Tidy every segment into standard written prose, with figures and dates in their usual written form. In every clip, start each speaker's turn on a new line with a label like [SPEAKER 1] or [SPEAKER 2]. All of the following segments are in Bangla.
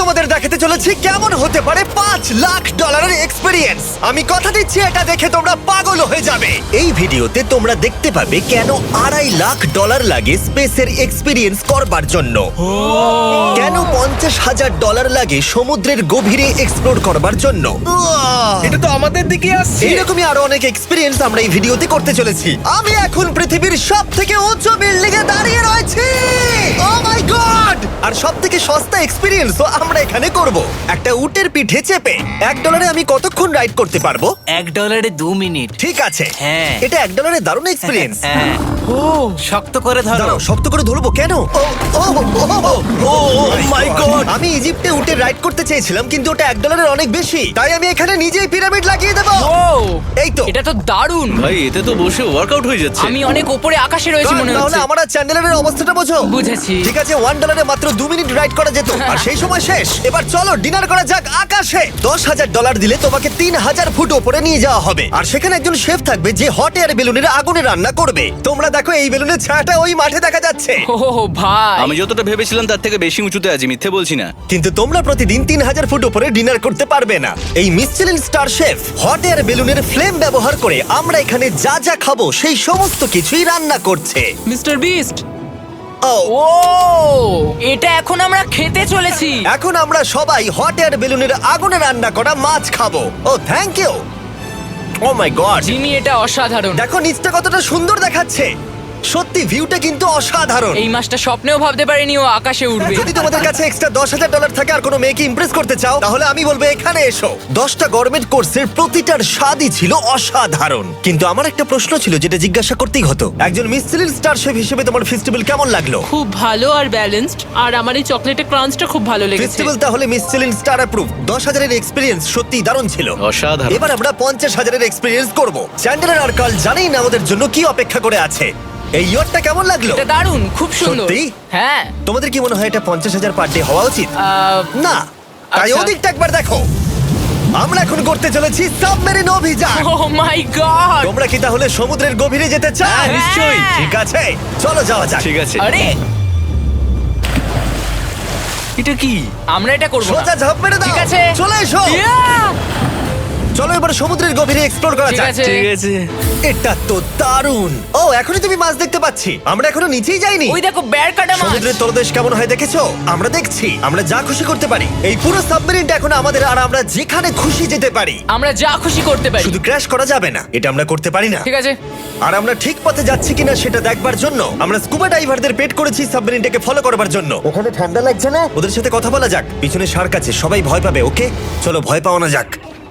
[SPEAKER 1] তোমাদের দেখাতে চলেছি কেমন হতে পারে $5 লাখ এক্সপিরিয়েন্স। আমি কথা দিচ্ছি এটা দেখে তোমরা পাগল হয়ে যাবে। এই ভিডিওতে তোমরা দেখতে পাবে কেন $2.5 লাখ লাগে স্পেসের এক্সপিরিয়েন্স করবার জন্য, কেন $50,000 লাগে সমুদ্রের গভীরে এক্সপ্লোর করবার জন্য।
[SPEAKER 2] এটা তো আমাদের দিকে আসছে।
[SPEAKER 1] এইরকমই আরো অনেক এক্সপিরিয়েন্স আমরা এই ভিডিওতে করতে চলেছি। আমি এখন পৃথিবীর সবথেকে উঁচু বিল্ডিং এ দাঁড়িয়ে রয়েছি। ও মাই গড! আর সবথেকে সস্তা এক্সপিরিয়েন্সও আমরা এখানে করব, একটা উটের পিঠে চেপে। $1 আমি কতক্ষণ রাইড করতে পারবো?
[SPEAKER 3] $1 2 মিনিট।
[SPEAKER 1] ঠিক আছে,
[SPEAKER 3] হ্যাঁ।
[SPEAKER 1] এটা $1 দারুণ এক্সপিরিয়েন্স।
[SPEAKER 3] হ্যাঁ।
[SPEAKER 2] ও
[SPEAKER 3] শক্ত করে ধরো।
[SPEAKER 1] দাঁড়াও, শক্ত করে ধরবো কেন? My god! আমি ইজিপ্টে উটে রাইড করতে চেয়েছিলাম, কিন্তু ওটা $1 অনেক বেশি, তাই আমি এখানে নিজেই পিরামিড লাগিয়ে দেবো।
[SPEAKER 4] ও
[SPEAKER 1] এই তো।
[SPEAKER 4] এটা তো দারুণ।
[SPEAKER 5] ভাই এতে তো বসে ওয়ার্কআউট হয়ে যাচ্ছে।
[SPEAKER 4] আমি অনেক উপরে আকাশে রয়েছি মনে
[SPEAKER 1] তাহলে
[SPEAKER 4] হচ্ছে।
[SPEAKER 1] আমার আর চ্যান্ডেলের অবস্থাটা বোঝো।
[SPEAKER 4] বুঝেছি।
[SPEAKER 1] ঠিক আছে, $1 মাত্র 2 মিনিট রাইড করা যেত, আর সেই সময় শেষ। এবার চলো ডিনার করা যাক আকাশে। $10,000 দিলে তোমাকে 3,000 ফুট উপরে নিয়ে যাওয়া হবে, আর সেখানে একজন শেফ থাকবে যে হট এয়ার বেলুনের আগুনে রান্না করবে। তোমরা দেখো এই বেলুনের ছায়াটা ওই মাঠে দেখা যাচ্ছে।
[SPEAKER 4] ও ভাই,
[SPEAKER 5] আমি যতটা ভেবেছিলাম তার থেকে বেশি উঁচুতে আছি, মিথ্যে বলছি না।
[SPEAKER 1] কিন্তু তোমরা প্রতিদিন 3,000 ফুট উপরে ডিনার করতে পারবে না। এই Michelin star chef hot air বেলুনের ফ্লেম ব্যবহার করে আমরা এখানে যা যা খাবো সেই সমস্ত কিছুই রান্না করছে।
[SPEAKER 4] Mister beast.
[SPEAKER 1] ও
[SPEAKER 4] ও এটা এখন আমরা খেতে চলেছি।
[SPEAKER 1] এখন আমরা সবাই হট এয়ার বেলুনের আগুনে রান্না করা মাছ খাবো। Oh thank you. Oh my god,
[SPEAKER 4] Jimmy এটা অসাধারণ।
[SPEAKER 1] দেখো নিচটা কতটা সুন্দর দেখাচ্ছে। সত্যি ভিউটা কিন্তু অসাধারণ।
[SPEAKER 4] এই মাসটা স্বপ্নেও ভাবতে পারিনি ও আকাশে উঠবে।
[SPEAKER 1] যদি তোমাদের কাছে এক্সট্রা $10,000 থাকে আর কোনো মেয়েকে ইমপ্রেস করতে চাও, তাহলে আমি বলবো এখানে এসো। 10টা গরমেট কোর্সের প্রতিটার স্বাদই ছিল অসাধারণ। কিন্তু আমার একটা প্রশ্ন ছিল যেটা জিজ্ঞাসা করতেই হতো, একজন মিশেলিন স্টার শেফ হিসেবে তোমার ফেস্টিভ্যাল কেমন লাগলো?
[SPEAKER 6] খুব ভালো আর ব্যালেন্সড, আর আমার এই চকলেটের ক্রাঞ্চটা খুব ভালো লেগেছে।
[SPEAKER 1] ফেস্টিভ্যাল তাহলে মিশেলিন স্টার অ্যাপ্রুভ। 10,000 এর এক্সপিরিয়েন্স সত্যিই দারুণ ছিল।
[SPEAKER 5] অসাধারণ।
[SPEAKER 1] এবার আমরা 50,000 এর এক্সপিরিয়েন্স করব। চ্যান্ডেলার আর কার্ল জানেই না আমাদের জন্য কি অপেক্ষা করে আছে। এই ইয়ারটা কেমন লাগলো?
[SPEAKER 4] এটা দারুণ, খুব সুন্দর।
[SPEAKER 1] সত্যি?
[SPEAKER 4] হ্যাঁ।
[SPEAKER 1] তোমাদের কি মনে হয় এটা 50,000 পার ডে হওয়া উচিত? না, তাই
[SPEAKER 4] আচ্ছা।
[SPEAKER 1] ওদিকটা একবার দেখো। আমরা এখন করতে চলেছি সাবমেরিন অভিযান।
[SPEAKER 4] Oh my god.
[SPEAKER 1] তোমরা কি তাহলে সমুদ্রের গভীরে যেতে চাও?
[SPEAKER 4] হ্যাঁ, নিশ্চয়ই।
[SPEAKER 1] ঠিক আছে, চলো যাওয়া যাক।
[SPEAKER 5] ঠিক আছে।
[SPEAKER 4] আরে
[SPEAKER 5] এটা কি?
[SPEAKER 4] আমরা এটা করব না।
[SPEAKER 1] সোজা ঝাঁপ মেরে দাও।
[SPEAKER 4] ঠিক আছে।
[SPEAKER 1] চলে এসো।
[SPEAKER 4] Yeah!
[SPEAKER 1] চলো এবার সমুদ্রের গভীরে এক্সপ্লোর করা
[SPEAKER 4] ঠিক
[SPEAKER 1] যাক।
[SPEAKER 4] আছে।
[SPEAKER 5] ঠিক আছে।
[SPEAKER 1] এটা তো দারুণ। ও এখনই তুমি মাছ দেখতে পাচ্ছি, আমরা এখনো নিচেই যাইনি।
[SPEAKER 4] ওই দেখো বের কাটা মাছ।
[SPEAKER 1] সমুদ্রের তলদেশ কেমন হয় দেখেছো? আমরা দেখছি, আমরা যা খুশি করতে পারি। এই পুরো সাবমেরিনটা এখন আমাদের, আর আমরা যেখানে খুশি যেতে পারি।
[SPEAKER 4] আমরা যা খুশি করতে পারি।
[SPEAKER 1] শুধু ক্র্যাশ করা যাবে না, এটা আমরা করতে পারি না।
[SPEAKER 4] ঠিক আছে।
[SPEAKER 1] আর আমরা ঠিক পথে যাচ্ছি কিনা সেটা দেখবার জন্য আমরা স্কুবা ডাইভারদের পেড করেছি সাবমেরিনটাকে ফলো করবার জন্য। ওখানে ঠান্ডা লাগছে না? ওদের সাথে কথা বলা যাক। পিছনে শার্ক আছে, সবাই ভয় পাবে। ওকে চলো ভয় পাওয়া যাক।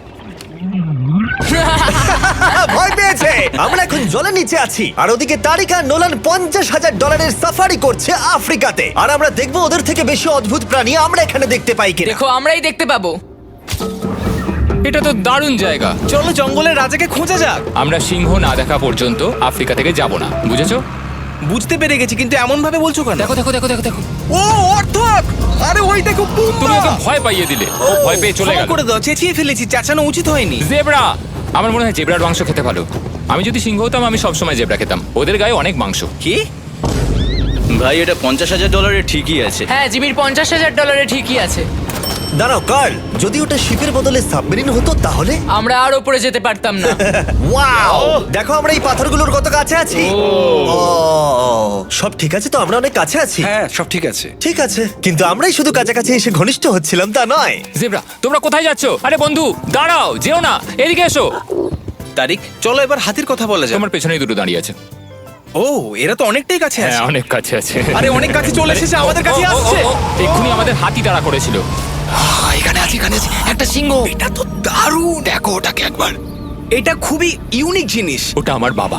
[SPEAKER 1] ভয় পেয়েছে। আমরা এখন জলের নিচে আছি, আর ওদিকে তারিকা নোলান $50,000 সাফারি করছে আফ্রিকাতে। আর আমরা দেখবো ওদের থেকে বেশি অদ্ভুত প্রাণী আমরা এখানে দেখতে পাই কিনা।
[SPEAKER 4] দেখো আমরাই দেখতে পাবো।
[SPEAKER 7] এটা তো দারুণ জায়গা।
[SPEAKER 2] চলো জঙ্গলের রাজাকে খোঁজা যাক।
[SPEAKER 7] আমরা সিংহ না দেখা পর্যন্ত আফ্রিকা থেকে যাব না, বুঝেছো?
[SPEAKER 2] বুঝতে পেরে গেছি, কিন্তু এমন ভাবে বলছো কেন?
[SPEAKER 7] দেখো দেখো দেখো দেখো দেখো।
[SPEAKER 2] ও অর্থক! আরে ওই দেখো
[SPEAKER 7] তুমি
[SPEAKER 2] পুম্বা!
[SPEAKER 7] ওকে ভয় পাইয়ে দিলে, ও ভয় পেয়ে চলে
[SPEAKER 2] ক্ষমা
[SPEAKER 7] গেল।
[SPEAKER 2] করে দাও, চেঁচিয়ে ফেলেছি, চেঁচানো উচিত হয়নি।
[SPEAKER 7] জেব্রা, আমার মনে হয় জেব্রার মাংস খেতে ভালো। আমি যদি সিংহ হতাম আমি সবসময় জেব্রা খেতাম, ওদের গায়ে অনেক মাংস।
[SPEAKER 5] কি? ভাই এটা $50,000 ঠিকই আছে।
[SPEAKER 4] হ্যাঁ, জিমির $50,000 ঠিকই আছে।
[SPEAKER 1] দাঁড়াও কার্ল, যদি ওটা শিপের বদলে সাবমেরিন হতো তাহলে?
[SPEAKER 4] আমরা আর উপরে যেতে পারতাম না।
[SPEAKER 1] ওয়াও, দেখো আমরা এই পাথরগুলোর কত কাছে আছি। ও, সব ঠিক আছে তো? আমরা অনেক কাছে আছি।
[SPEAKER 2] হ্যাঁ, সব ঠিক আছে।
[SPEAKER 1] ঠিক আছে, কিন্তু আমরাই শুধু কাছাকাছি এসে ঘনিষ্ঠ হচ্ছিলাম তা নয়।
[SPEAKER 7] জেব্রা, তোমরা কোথায় যাচ্ছো? আরে বন্ধু দাঁড়াও, যেও না, এদিকে এসো।
[SPEAKER 2] তারিক, চলো এবার হাতির কথা বলা যাক।
[SPEAKER 7] তোমার পেছনেই দুটো দাঁড়িয়ে আছে।
[SPEAKER 2] ও, এরা তো অনেকটাই কাছে
[SPEAKER 7] হ্যাঁ,
[SPEAKER 2] আছে।
[SPEAKER 7] অনেক কাছে আছে।
[SPEAKER 2] আরে অনেক কাছে চলে এসেছে, আমাদের কাছে আসছে।
[SPEAKER 7] এক্ষুনি আমাদের হাতি তাড়া করেছিল।
[SPEAKER 2] এখানে আছে একটা সিংহ। এটা তো দারুণ, দেখো ওটাকে একবার। এটা খুবই ইউনিক জিনিস।
[SPEAKER 7] ওটা আমার বাবা।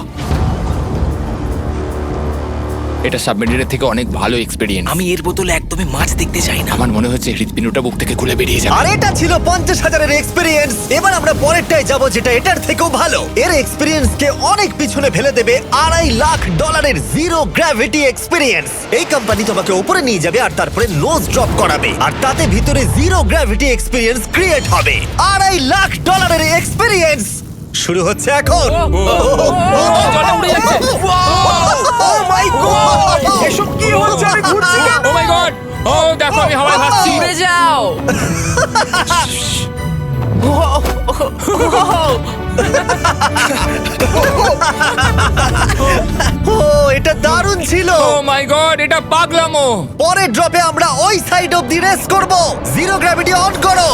[SPEAKER 7] এটা সাবমেরিনের থেকে অনেক ভালো এক্সপেরিয়েন্স।
[SPEAKER 2] আমি এর বোতলে একদমই মাছ দেখতে চাই না।
[SPEAKER 7] আমার মনে হচ্ছে হৃৎপিণ্ডটা বুক থেকে খুলে বেরিয়ে যাবে।
[SPEAKER 1] আর এটা ছিল 50,000 এক্সপিরিয়েন্স। এবার আমরা পরেরটায় যাব যেটা এটার থেকেও ভালো। এর এক্সপিরিয়েন্স কে অনেক পিছনে ফেলে দেবে $2.5 লাখ জিরো গ্র্যাভিটি এক্সপিরিয়েন্স। এই কোম্পানি তোমাকে উপরে নিয়ে যাবে আর তারপরে নোজ ড্রপ করাবে, আর তাতে ভিতরে জিরো গ্র্যাভিটি এক্সপিরিয়েন্স ক্রিয়েট হবে। $2.5 এক্সপিরিয়েন্স শুরু হচ্ছে এখন।
[SPEAKER 7] জলটা উড়ে যাচ্ছে।
[SPEAKER 2] Oh my god! এসব কি হচ্ছে? আমি ঘুরছি কেন?
[SPEAKER 7] ও মাই গড! ও দেখো আমি হাওয়ায় ভাসছি।
[SPEAKER 4] উড়ে যাও।
[SPEAKER 1] ও এটা দারুণ ছিল।
[SPEAKER 7] ও মাই গড, এটা পাগলামো।
[SPEAKER 1] পরের ড্রপে আমরা ওই সাইড অফ দি রেস করব। জিরো গ্র্যাভিটি অন করো।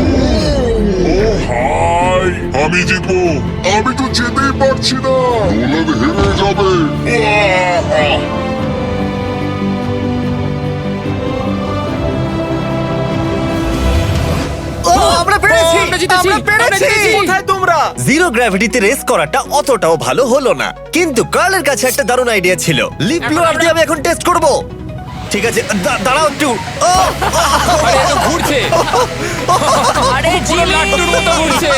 [SPEAKER 8] হাই, আমি জিতবো। আমি তো যেতেই পারছি না, নোলান হেরে যাবে।
[SPEAKER 1] ও আমরা পেরেছি,
[SPEAKER 7] আমরা জিতেছি,
[SPEAKER 1] আমরা পেরেছি।
[SPEAKER 2] কোথায় তোমরা?
[SPEAKER 1] জিরো গ্র্যাভিটিতে রেস করাটা অতটাও ভালো হলো না, কিন্তু কার্লের কাছে একটা দারুণ আইডিয়া ছিল। লিপ ব্লোয়ার দিয়ে আমি এখন টেস্ট করব। ঠিক আছে, দাঁড়াও একটু। ও,
[SPEAKER 7] আরে এত ঘুরছে,
[SPEAKER 4] আরে
[SPEAKER 7] পুরো লাট্টুর মতো ঘুরছে।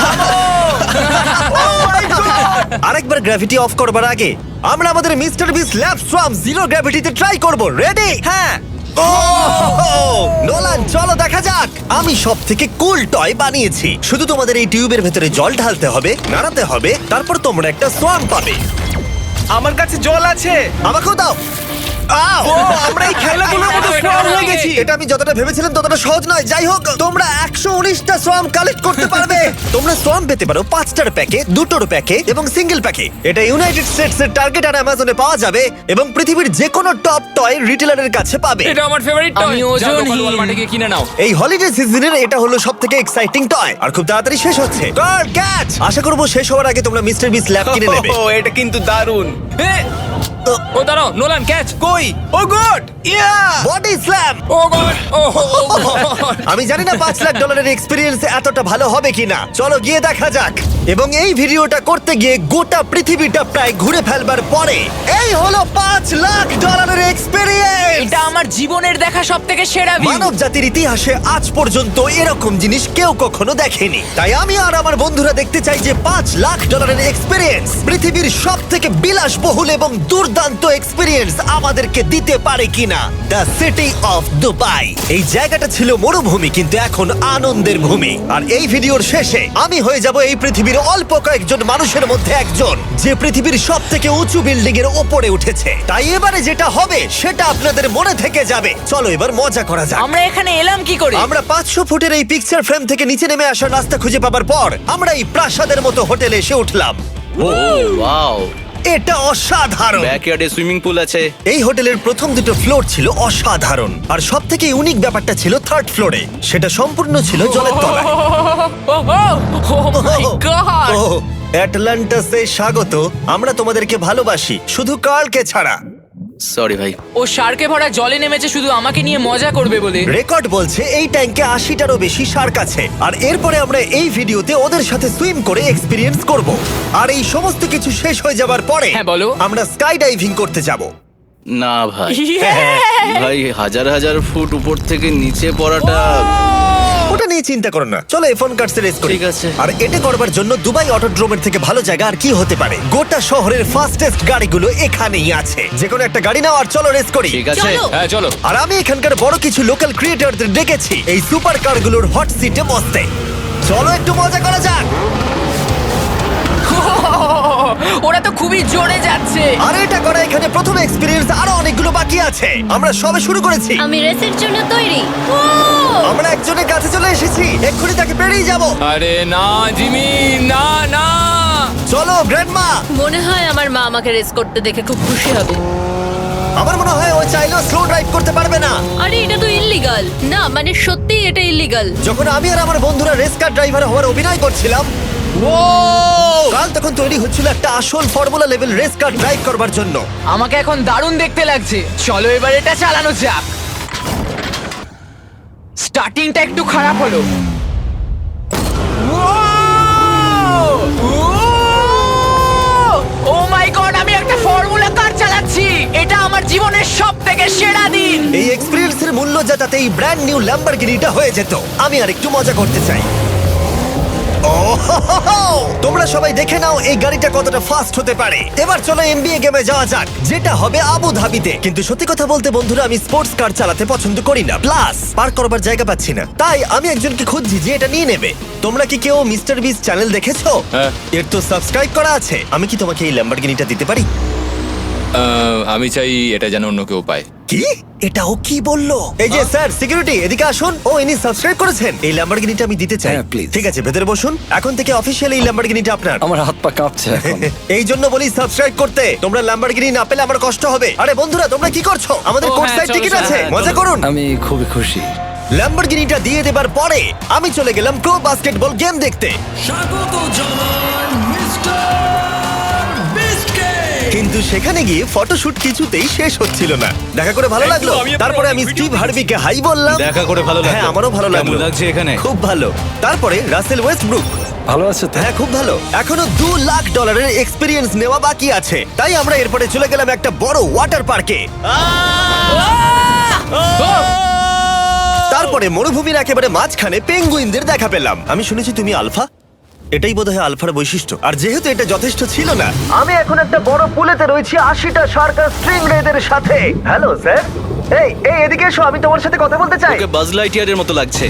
[SPEAKER 1] আরেকবার গ্র্যাভিটি অফ করবার আগে আমরা আমাদের mister Beast lab swarm zero গ্র্যাভিটিতে ট্রাই করব। রেডি?
[SPEAKER 2] হ্যাঁ।
[SPEAKER 1] ও নোলান, চলো দেখা যাক। আমি সব থেকে কুল টয় বানিয়েছি। শুধু তোমাদের এই টিউবের ভেতরে জল ঢালতে হবে, নাড়াতে হবে, তারপর তোমরা একটা সোয়াম পাবে।
[SPEAKER 2] আমার কাছে জল আছে।
[SPEAKER 1] আমাকেও দাও। আও!
[SPEAKER 2] ও, আমরা এই খেলাগুলোর মতো স্ট্রং হয়ে গেছি।
[SPEAKER 1] এটা আমি যতটা ভেবেছিলাম ততটা সহজ নয়। যাই হোক, তোমরা 119টা সোয়াম কালেক্ট করতে পারবে। তোমরা সোয়াম পেতে পারো 5টার প্যাকে, 2টোর প্যাকে এবং সিঙ্গেল প্যাকে। এটা ইউনাইটেড স্টেটস এর টার্গেট আর অ্যামাজনে পাওয়া যাবে এবং পৃথিবীর যে কোনো টপ টয় রিটেলারের কাছে পাবে।
[SPEAKER 7] এটা আমার ফেভারিট টয়।
[SPEAKER 4] আমি ওজনহীন।
[SPEAKER 7] ওয়ালমার্টে গিয়ে কিনে নাও।
[SPEAKER 1] এই হলিডে সিজনের এটা হলো সবথেকে এক্সাইটিং টয় আর খুব তাড়াতাড়ি শেষ হচ্ছে। Guard catch! আশা করব শেষ হওয়ার আগে তোমরা মিস্টার বিস ল্যাব কিনে নেবে।
[SPEAKER 2] ও, এটা কিন্তু দারুণ।
[SPEAKER 7] ও দাঁড়াও, নোলান ক্যাচ।
[SPEAKER 2] কই? Oh god! Yeah!
[SPEAKER 1] Body slam!
[SPEAKER 7] Oh god, oh god.
[SPEAKER 1] আমি জানি না $5 লাখ এক্সপেরিয়েন্স এতটা ভালো হবে কিনা। চলো গিয়ে দেখা যাক। এবং এই ভিডিওটা করতে গিয়ে গোটা পৃথিবীটা প্রায় ঘুরে ফেলবার পরে এই হলো $5 লাখ এক্সপেরিয়েন্স।
[SPEAKER 4] এটা আমার জীবনের দেখা সবথেকে সেরা ভিউ।
[SPEAKER 1] মানব জাতির ইতিহাসে আজ পর্যন্ত এরকম জিনিস কেউ কখনো দেখেনি। তাই আমি আর আমার বন্ধুরা দেখতে চাই যে $5 লাখ এক্সপেরিয়েন্স, পৃথিবীর সব থেকে বিলাসবহুল এবং দুর্দান্ত এক্সপেরিয়েন্স আমাদেরকে দিতে পারে কিনা। The city of Dubai. এই জায়গাটা ছিল মরুভূমি, কিন্তু এখন আনন্দের ভূমি। আর এই ভিডিওর শেষে আমি হয়ে যাব এই পৃথিবীর অল্প কয়েকজন মানুষের মধ্যে একজন, যে পৃথিবীর সব থেকে উঁচু বিল্ডিং এর ওপরে উঠেছে। তাই এবারে যেটা হবে সেটা আপনাদের মনে থেকে যাবে। চলো এবার মজা করা যাক।
[SPEAKER 4] আমরা এখানে এলাম কি করে?
[SPEAKER 1] আমরা 500 ফুটের এই পিকচার ফ্রেম থেকে নিচে নেমে আসার রাস্তা খুঁজে পাবার পর আমরা এই প্রাসাদের মতো হোটেলে এসে উঠলাম।
[SPEAKER 5] ও ওয়াও,
[SPEAKER 1] এটা অসাধারণ।
[SPEAKER 5] ব্যাকইয়ার্ডে সুইমিং পুল আছে।
[SPEAKER 1] এই হোটেলের প্রথম দুটো ফ্লোর ছিল অসাধারণ, আর সব থেকে ইউনিক ব্যাপারটা ছিল থার্ড ফ্লোরে। সেটা সম্পূর্ণ ছিল জলের তলায়।
[SPEAKER 4] ও মাই গড!
[SPEAKER 1] ও অ্যাটলান্টাসে স্বাগত। আমরা তোমাদেরকে ভালোবাসি, শুধু কার্লকে ছাড়া।
[SPEAKER 5] সরি ভাই।
[SPEAKER 4] ও শার্কে ভরা জলে নেমেছে শুধু আমাকে নিয়ে মজা করবে বলে।
[SPEAKER 1] রেকর্ড বলছে এই ট্যাঙ্কে 80টারও বেশি শার্ক আছে। আর এরপরে আমরা এই ভিডিওতে ওদের সাথে সুইম করে এক্সপিরিয়েন্স করব। আর এই সমস্ত কিছু শেষ হয়ে যাবার পরে
[SPEAKER 4] হ্যাঁ, বলো।
[SPEAKER 1] আমরা স্কাই ডাইভিং করতে যাব।
[SPEAKER 5] না ভাই,
[SPEAKER 1] হ্যাঁ।
[SPEAKER 5] ভাই হাজার হাজার ফুট উপর থেকে নিচে পড়াটা।
[SPEAKER 1] ওটা নিয়ে চিন্তা করো না, চলো ফোন কার্ডসে রেস করি।
[SPEAKER 5] ঠিক আছে।
[SPEAKER 1] আর এটা করবার জন্য দুবাই অটোড্রোমের থেকে ভালো জায়গা আর কি হতে পারে। গোটা শহরের ফাস্টেস্ট গাড়িগুলো এখানেই আছে। যে কোনো একটা গাড়ি নাও আর চলো রেস করি।
[SPEAKER 5] ঠিক আছে।
[SPEAKER 7] হ্যাঁ চলো।
[SPEAKER 1] আর আমি এখানকার বড় কিছু লোকাল ক্রিয়েটরদের ডেকেছি এই সুপার কারগুলোর হট সিটে বসতে। চলো একটু মজা করা যাক।
[SPEAKER 4] ওরা তো খুবই জোরে যাচ্ছে।
[SPEAKER 1] আর এটা করা এখানে প্রথম এক্সপিরিয়েন্স, আরো অনেকগুলো বাকি আছে। আমরা সবে শুরু করেছি।
[SPEAKER 9] আমি রেসের জন্য তৈরি। ও
[SPEAKER 1] আমরা একজনের কাছে চলে এসেছি, এক্ষুনি তাকে পেরিয়ে যাব।
[SPEAKER 7] আরে না জিমি, না না।
[SPEAKER 1] চলো গ্র্যান্ডমা।
[SPEAKER 9] মনে হয় আমার মা আমাকে রেস করতে দেখে খুব খুশি হবে।
[SPEAKER 1] আমার মনে হয় ও চাইলেও স্লো ড্রাইভ করতে পারবে না।
[SPEAKER 9] আরে এটা তো ইল্লিগাল। না মানে সত্যি এটা ইল্লিগাল।
[SPEAKER 1] যখন আমি আর আমার বন্ধুরা রেস কার ড্রাইভার হওয়ার অভিনয় করছিলাম, কাল তখন তৈরি হচ্ছিল একটা আসল formula level race car drive করবার জন্য।
[SPEAKER 4] আমাকে এখন দারুণ দেখতে লাগছে। চলো এবার এটা চালানো যাক। স্টার্টিংটা একটু খারাপ হলো। ও মাই গড, আমি একটা ফর্মুলা কার চালাচ্ছি। এটা আমার জীবনের সবথেকে সেরা দিন।
[SPEAKER 1] এই এক্সপেরিয়েন্সের মূল্য যা, তাতে এই ব্র্যান্ড নিউ ল্যাম্বরগিনিটা হয়ে যেত। আমি আর একটু মজা করতে চাই। তোমরা সবাই দেখে নাও এই গাড়িটা কতটা ফাস্ট হতে পারে। এবার চলো এনবিএ গেমে যাওয়া যাক, যেটা হবে আবু ধাবিতে। কিন্তু সত্যি কথা বলতে বন্ধুরা, আমি স্পোর্টস কার চালাতে পছন্দ করি না, প্লাস পার্ক করবার জায়গা পাচ্ছি না। তাই আমি একজনকে খুঁজছি যে এটা নিয়ে নেবে। তোমরা কি কেউ মিস্টার বিস চ্যানেল দেখেছো?
[SPEAKER 7] হ্যাঁ।
[SPEAKER 1] এর তো সাবস্ক্রাইব করা আছে। আমি কি তোমাকে এই ল্যাম্বরগিনিটা দিতে পারি?
[SPEAKER 7] আমি চাই এটা যেন অন্য কেউ পায়।
[SPEAKER 1] কি এটা ও কি বললো? এই যে স্যার সিকিউরিটি এদিকে আসুন। ও ইনি সাবস্ক্রাইব করেছেন। এই ল্যাম্বরগিনিটা আমি দিতে চাই।
[SPEAKER 2] হ্যাঁ, please.
[SPEAKER 1] ঠিক আছে ভেতরে বসুন। এখন থেকে অফিসিয়ালি এই ল্যাম্বরগিনিটা আপনার।
[SPEAKER 2] আমার হাত পা কাঁপছে এখন।
[SPEAKER 1] এই জন্য বলি সাবস্ক্রাইব করতে। তোমরা ল্যাম্বরগিনি না পেলে আমার কষ্ট হবে। আরে বন্ধুরা তোমরা কি করছো? আমাদের
[SPEAKER 6] ও,
[SPEAKER 1] কোর্স
[SPEAKER 6] হ্যাঁ,
[SPEAKER 1] সাইড
[SPEAKER 6] চলো,
[SPEAKER 1] টিকিট
[SPEAKER 6] চলো,
[SPEAKER 1] আছে,
[SPEAKER 6] হ্যাঁ,
[SPEAKER 1] মজা
[SPEAKER 6] চলো।
[SPEAKER 1] করুন।
[SPEAKER 2] আমি খুবই খুশি।
[SPEAKER 1] ল্যাম্বরগিনিটা দিয়ে দেবার পরে আমি চলে গেলাম প্রো বাস্কেটবল গেম দেখতে। কিন্তু সেখানে গিয়ে ফটোশুট কিছুতেই শেষ হচ্ছিল না। দেখা করে ভালো লাগলো। তারপরে আমি স্টিভ হার্বিকে হাই বললাম।
[SPEAKER 5] দেখা করে ভালো লাগলো।
[SPEAKER 1] হ্যাঁ আমারও ভালো
[SPEAKER 5] কেমন
[SPEAKER 1] লাগলো।
[SPEAKER 5] লাগছে এখানে?
[SPEAKER 1] খুব ভালো। তারপরে রাসেল ওয়েস্টব্রুক।
[SPEAKER 2] ভালো আছে তো?
[SPEAKER 1] হ্যাঁ খুব ভালো। এখনো $2 লাখ এক্সপিরিয়েন্স নেওয়া বাকি আছে। তাই আমরা এরপরে চলে গেলাম একটা বড় ওয়াটার পার্কে। তারপরে মরুভূমির একেবারে মাঝখানে পেঙ্গুইনদের দেখা পেলাম। আমি শুনেছি তুমি আলফা। এটাই বোধহয় আলফার বৈশিষ্ট্য। আর যেহেতু এটা যথেষ্ট ছিল না, আমি এখন একটা বড় পুলেতে রয়েছি 80টা সার্কাস স্ট্রিং রেদের সাথে। Hello sir. এই এই এদিকে এসো, আমি তোমার সাথে কথা বলতে চাই।
[SPEAKER 5] ওকে বাজ লাইটিয়ারের মতো লাগছে।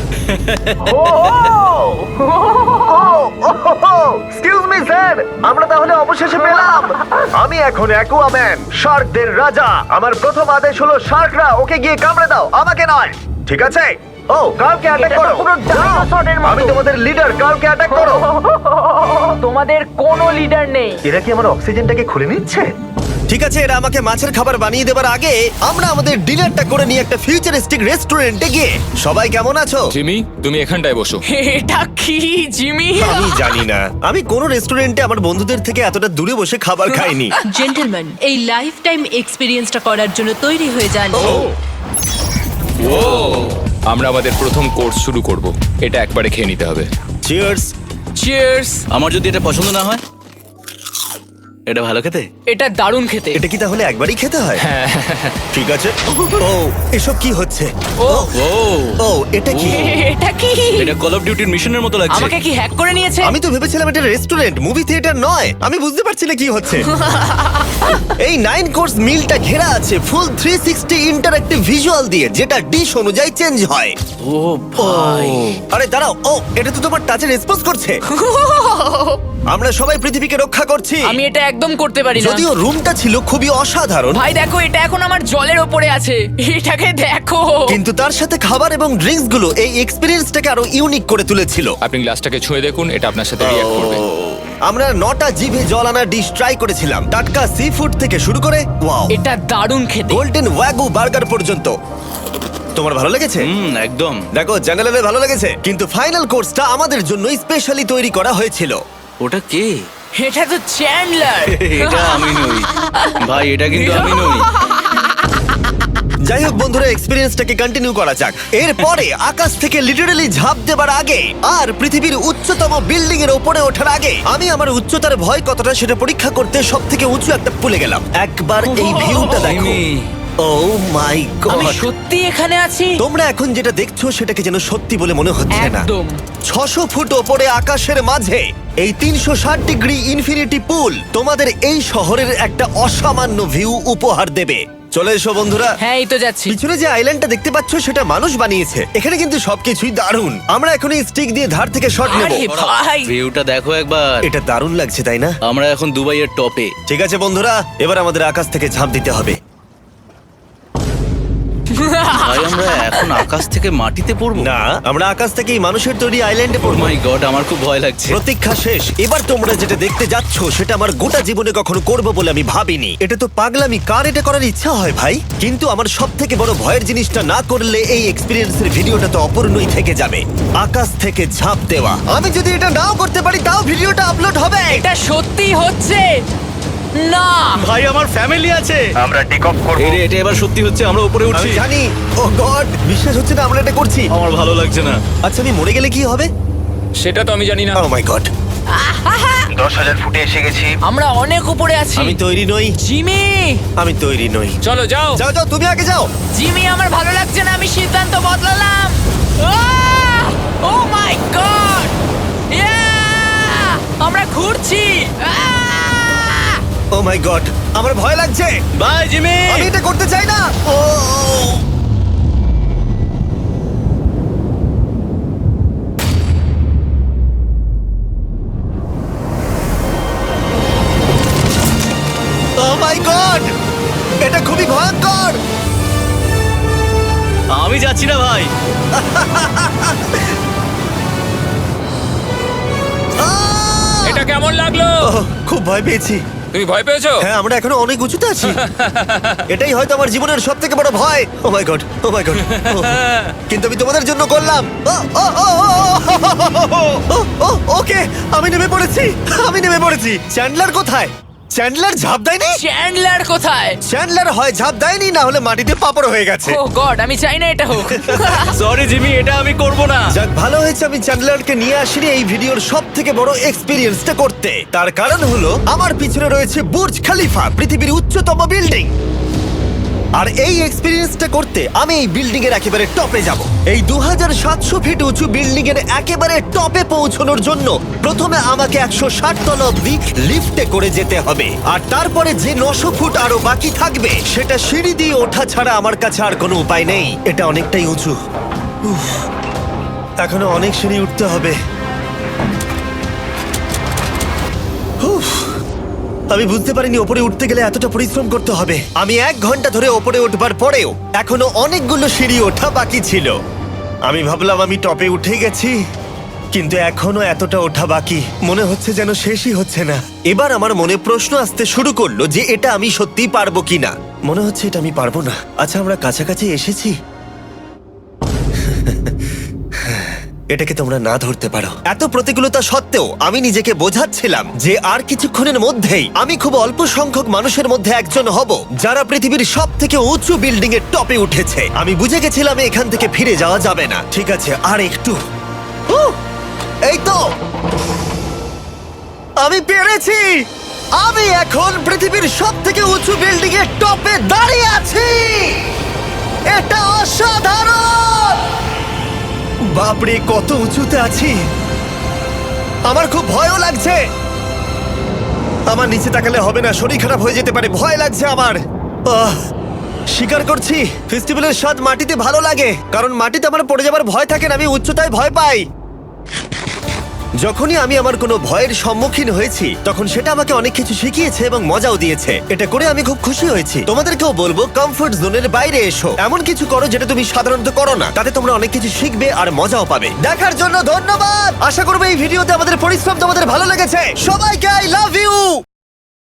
[SPEAKER 1] এক্সকিউজ মি স্যার, আমরা তাহলে অবশেষে পেলাম। আমি এখন অ্যাকুয়াম্যান, শার্কদের রাজা। আমার প্রথম আদেশ হলো শার্করা ওকে গিয়ে কামড়ে দাও, আমাকে নয়। ঠিক আছে? ও কার্লকে অ্যাটাক করো। আমি তোমাদের লিডার, কার্লকে অ্যাটাক করো।
[SPEAKER 4] তোমাদের কোনো লিডার নেই।
[SPEAKER 1] এরা কি আমার অক্সিজেনটাকে খুলে নিচ্ছে? ঠিক আছে, এরা আমাকে মাছের খাবার বানিয়ে দেবার আগে আমরা আমাদের ডিনারটা করে নিয়ে একটা ফিউচারিস্টিক রেস্টুরেন্টে গিয়ে। সবাই কেমন আছো?
[SPEAKER 7] জিমি তুমি এখানটায় বসো।
[SPEAKER 4] এটা কি জিমি?
[SPEAKER 1] আমি জানি না, আমি কোন রেস্টুরেন্টে আমার বন্ধুদের থেকে এতটা দূরে বসে খাবার খাইনি।
[SPEAKER 9] জেন্টলম্যান, এই লাইফ টাইম এক্সপিরিয়েন্সটা করার জন্য তৈরি হয়ে যান।
[SPEAKER 7] আমরা আমাদের প্রথম কোর্স শুরু করব। এটা একবারে খেয়ে নিতে হবে।
[SPEAKER 1] চিয়ার্স।
[SPEAKER 4] চিয়ার্স।
[SPEAKER 5] আমার যদি এটা পছন্দ না হয়? এটা ভালো খেতে?
[SPEAKER 4] এটা দারুণ খেতে।
[SPEAKER 1] এটা কি তাহলে একবারই খেতে হয়? ঠিক আছে। ও এসব কি হচ্ছে?
[SPEAKER 4] ও
[SPEAKER 5] ও
[SPEAKER 1] ও এটা কি?
[SPEAKER 4] এটা কি?
[SPEAKER 5] এটা কল অফ ডিউটির মিশনের মতো লাগছে।
[SPEAKER 4] আমাকে কি হ্যাক করে নিয়েছে?
[SPEAKER 1] আমি তো ভেবেছিলাম এটা রেস্টুরেন্ট, মুভি থিয়েটার নয়। আমি বুঝতে পারছি না কি হচ্ছে। এই 9 কোর্স মিলটা ঘেরা আছে ফুল 360 ইন্টারঅ্যাক্টিভ ভিজুয়াল দিয়ে, যেটা ডিশ অনুযায়ী চেঞ্জ হয়।
[SPEAKER 5] ও ভাই,
[SPEAKER 1] আরে দাঁড়াও, ও এটা তো তোমার টাচে রেসপন্স করছে। আমরা সবাই পৃথিবীকে রক্ষা করছি।
[SPEAKER 4] আমি এটা একদম করতে পারি না।
[SPEAKER 1] যদিও রুমটা ছিল খুবই অসাধারণ,
[SPEAKER 4] ভাই দেখো, এটা এখন আমার জলের ওপরে আছে। এটাকে দেখো।
[SPEAKER 1] কিন্তু তার সাথে খাবার এবং ড্রিঙ্কস গুলো এই এক্সপেরিয়েন্সটাকে আরো ইউনিক করে তুলেছিল।
[SPEAKER 7] আপনি গ্লাসটাকে ছুঁয়ে দেখুন, এটা আপনার সাথে রিঅ্যাক্ট করবে।
[SPEAKER 1] আমরা 9টা জিভে জল আনা ডিশ ট্রাই করেছিলাম, টাটকা সি ফুড থেকে শুরু করে ওয়াও
[SPEAKER 4] এটা দারুণ খেতে।
[SPEAKER 1] গোল্ডেন ওয়াগু বার্গার পর্যন্ত। তোমার ভালো লেগেছে?
[SPEAKER 5] একদম।
[SPEAKER 1] দেখো জঙ্গলের ভালো লেগেছে, কিন্তু ফাইনাল কোর্সটা আমাদের জন্য স্পেশালি তৈরি করা হয়েছিল।
[SPEAKER 5] ওটা কে?
[SPEAKER 4] এটা তো চ্যান্ডলার।
[SPEAKER 5] এটা আমি নই ভাই, এটা কিন্তু আমি নই।
[SPEAKER 1] যাই হোক বন্ধুরা, এক্সপেরিয়েন্সটাকে কন্টিনিউ করা যাক। এরপরে আকাশ থেকে লিটারালি ঝাঁপ দেবার আগে আর পৃথিবীর উচ্চতম বিল্ডিং এর উপরে ওঠার আগে আমি আমার উচ্চতার ভয় কতটা সেটা পরীক্ষা করতে সব থেকে উঁচু একটা পুলে গেলাম। একবার এই ভিউটা দেখো।
[SPEAKER 5] জিমি।
[SPEAKER 1] ও মাই
[SPEAKER 4] আমি
[SPEAKER 1] গড!
[SPEAKER 4] সত্যি এখানে আছি।
[SPEAKER 1] তোমরা এখন যেটা দেখছো সেটাকে যেন সত্যি বলে মনে হচ্ছে না।
[SPEAKER 4] একদম।
[SPEAKER 1] 600 ফুট ওপরে আকাশের মাঝে এই 360 ডিগ্রি ইনফিনিটি পুল তোমাদের এই শহরের একটা অসামান্য ভিউ উপহার দেবে। চলে এসো বন্ধুরা।
[SPEAKER 4] হ্যাঁ, এই তো যাচ্ছি।
[SPEAKER 1] পিছনে যে আইল্যান্ডটা দেখতে পাচ্ছ সেটা মানুষ বানিয়েছে। এখানে কিন্তু সবকিছুই দারুণ। আমরা এখন এই স্টিক দিয়ে ধার থেকে শট নেব।
[SPEAKER 4] আরে ভাই,
[SPEAKER 5] ভিউটা দেখো একবার।
[SPEAKER 1] এটা দারুণ লাগছে তাই না?
[SPEAKER 5] আমরা এখন দুবাইয়ের টপে।
[SPEAKER 1] ঠিক আছে বন্ধুরা, এবার আমাদের আকাশ থেকে ঝাঁপ দিতে হবে।
[SPEAKER 5] ভাই আমরা এখন আকাশ থেকে মাটিতে পড়বো?
[SPEAKER 1] না, আমরা আকাশ থেকেই মানুষের তৈরি আইল্যান্ডে
[SPEAKER 5] ও
[SPEAKER 1] পড়বো।
[SPEAKER 5] মাই গড, আমার খুব ভয় লাগছে।
[SPEAKER 1] প্রতীক্ষা শেষ। এবার তোমরা যেটা দেখতে যাচ্ছ সেটা আমার গোটা জীবনে কখনো করবো বলে আমি ভাবিনি। এটা তো পাগলামি, কার এটা করার ইচ্ছা হয় ভাই? কিন্তু আমার সব থেকে বড় ভয়ের জিনিসটা না করলে এই এক্সপিরিয়েন্সের ভিডিওটা তো অপূর্ণই থেকে যাবে। আকাশ থেকে ঝাঁপ দেওয়া। আমি যদি এটা নাও করতে পারি তাও ভিডিওটা আপলোড হবে।
[SPEAKER 4] এটা সত্যি হচ্ছে না।
[SPEAKER 5] ভাই আমার ফ্যামিলি আছে।
[SPEAKER 1] আমরা টেক অফ করব।
[SPEAKER 5] এটা এবার সত্যি হচ্ছে, আমরা উপরে উঠছি।
[SPEAKER 1] আমি জানি। ও গড, বিশ্বাস হচ্ছে না আমরা এটা করছি।
[SPEAKER 5] আমার ভালো লাগছে না।
[SPEAKER 1] আচ্ছা আমি মরে গেলে কি হবে?
[SPEAKER 7] সেটা তো আমি জানি না।
[SPEAKER 1] ও মাই গড। 10,000 ফুটে এসে গেছি।
[SPEAKER 4] আমরা অনেক উপরে আছি।
[SPEAKER 1] আমি তৈরি নই।
[SPEAKER 4] জিমি,
[SPEAKER 1] আমি তৈরি নই।
[SPEAKER 7] চলো যাও।
[SPEAKER 1] যাও যাও, তুমি আগে যাও।
[SPEAKER 4] জিমি, আমার ভালো লাগছে না। আমি সিদ্ধান্ত বদলালাম। ও মাই গড! আমরা ঘুরছি।
[SPEAKER 1] ও মাই গড, আমার ভয় লাগছে।
[SPEAKER 5] Bye Jimmy.
[SPEAKER 1] আমি এটা করতে চাই না। ও মাই গড, এটা খুবই ভয়ঙ্কর। খুব ভয় পেয়েছি।
[SPEAKER 7] তুমি ভয় পেয়েছো?
[SPEAKER 1] হ্যাঁ, আমরা এখনো অনেক উঁচুতে আছি। এটাই হয়তো আমার জীবনের সব থেকে বড় ভয়। Oh my god, oh my god. কিন্তু আমি তোমাদের জন্য করলাম। ওকে, আমি নেমে পড়েছি, আমি নেমে পড়েছি। চ্যান্ডলার কোথায়? চ্যান্ডলার ঝাঁপ দেয়নি?
[SPEAKER 4] চ্যান্ডলার কোথায়?
[SPEAKER 1] চ্যান্ডলার হয় ঝাঁপ দেয়নি, না হলে মাটিতে পাপড় হয়ে গেছে।
[SPEAKER 4] ও গড, আমি চাই না এটা হোক।
[SPEAKER 5] সরি জিমি, এটা আমি করব না।
[SPEAKER 1] যাক, ভালো হয়েছে আমি চ্যান্ডলারকে নিয়ে আসিনি এই ভিডিওর সব থেকে বড় এক্সপিরিয়েন্সটা করতে। তার কারণ হলো আমার পিছনে রয়েছে বুর্জ খলিফা, পৃথিবীর উচ্চতম বিল্ডিং। আর এই এক্সপিরিয়েন্সটা করতে আমি এই বিল্ডিং এর একেবারে টপে যাব। এই 2700 ফিট উঁচু বিল্ডিং এর একেবারে টপে পৌঁছানোর জন্য প্রথমে আমাকে 160 তলা অব্দি লিফটে করে যেতে হবে, আর তারপরে যে 900 ফুট আরো বাকি থাকবে সেটা সিঁড়ি দিয়ে ওঠা ছাড়া আমার কাছে আর কোনো উপায় নেই। এটা অনেকটাই উঁচু। উফ, এখনো অনেক সিঁড়ি উঠতে হবে। উফ, আমি বুঝতে পারিনি ওপরে উঠতে গেলে এতটা পরিশ্রম করতে হবে। আমি 1 ঘন্টা ধরে ওপরে উঠবার পরেও এখনো অনেকগুলো সিঁড়ি ওঠা বাকি ছিল। আমি ভাবলাম আমি টপে উঠে গেছি, কিন্তু এখনো এতটা ওঠা বাকি। মনে হচ্ছে যেন শেষই হচ্ছে না। এবার আমার মনে প্রশ্ন আসতে শুরু করলো যে এটা আমি সত্যিই পারবো কিনা। মনে হচ্ছে এটা আমি পারবো না। আচ্ছা, আমরা কাছাকাছি এসেছি। এটাকে তোমরা না ধরতে পারো। এত প্রতিকূলতা সত্ত্বেও আমি নিজেকে বোঝাচ্ছিলাম যে আর কিছুক্ষণের মধ্যেই আমি খুব অল্প সংখ্যক মানুষের মধ্যে একজন হব যারা পৃথিবীর সব থেকে উঁচু বিল্ডিং এর টপে উঠেছে। আমি বুঝে গেছিলাম এখান থেকে ফিরে যাওয়া যাবে না। ঠিক আছে, আর একটু। এই তো, আমি পেরেছি। আমি এখন পৃথিবীর সব থেকে উঁচু বিল্ডিং এর টপে দাঁড়িয়ে আছি। এটা অসাধারণ। বাপরে, কত উঁচুতে আছি। আমার খুব ভয়ও লাগছে। আমার নিচে তাকালে হবে না, শরীর খারাপ হয়ে যেতে পারে। ভয় লাগছে আমার। স্বীকার করছি, ফেস্টিভ্যালের স্বাদ মাটিতে ভালো লাগে, কারণ মাটিতে আমার পড়ে যাবার ভয় থাকে না। আমি উচ্চতায় ভয় পাই। যখনই আমি আমার কোনো ভয়ের সম্মুখীন হয়েছি তখন সেটা আমাকে অনেক কিছু শিখিয়েছে এবং মজাও দিয়েছে। এটা করে আমি খুব খুশি হয়েছি। তোমাদেরকেও বলবো কমফোর্ট জোনের বাইরে এসো, এমন কিছু করো যেটা তুমি সাধারণত করো না। তাতে তোমরা অনেক কিছু শিখবে আর মজাও পাবে। দেখার জন্য ধন্যবাদ। আশা করবো এই ভিডিওতে আমাদের পরিশ্রম তোমাদের ভালো লেগেছে। সবাইকে আই লাভ ইউ।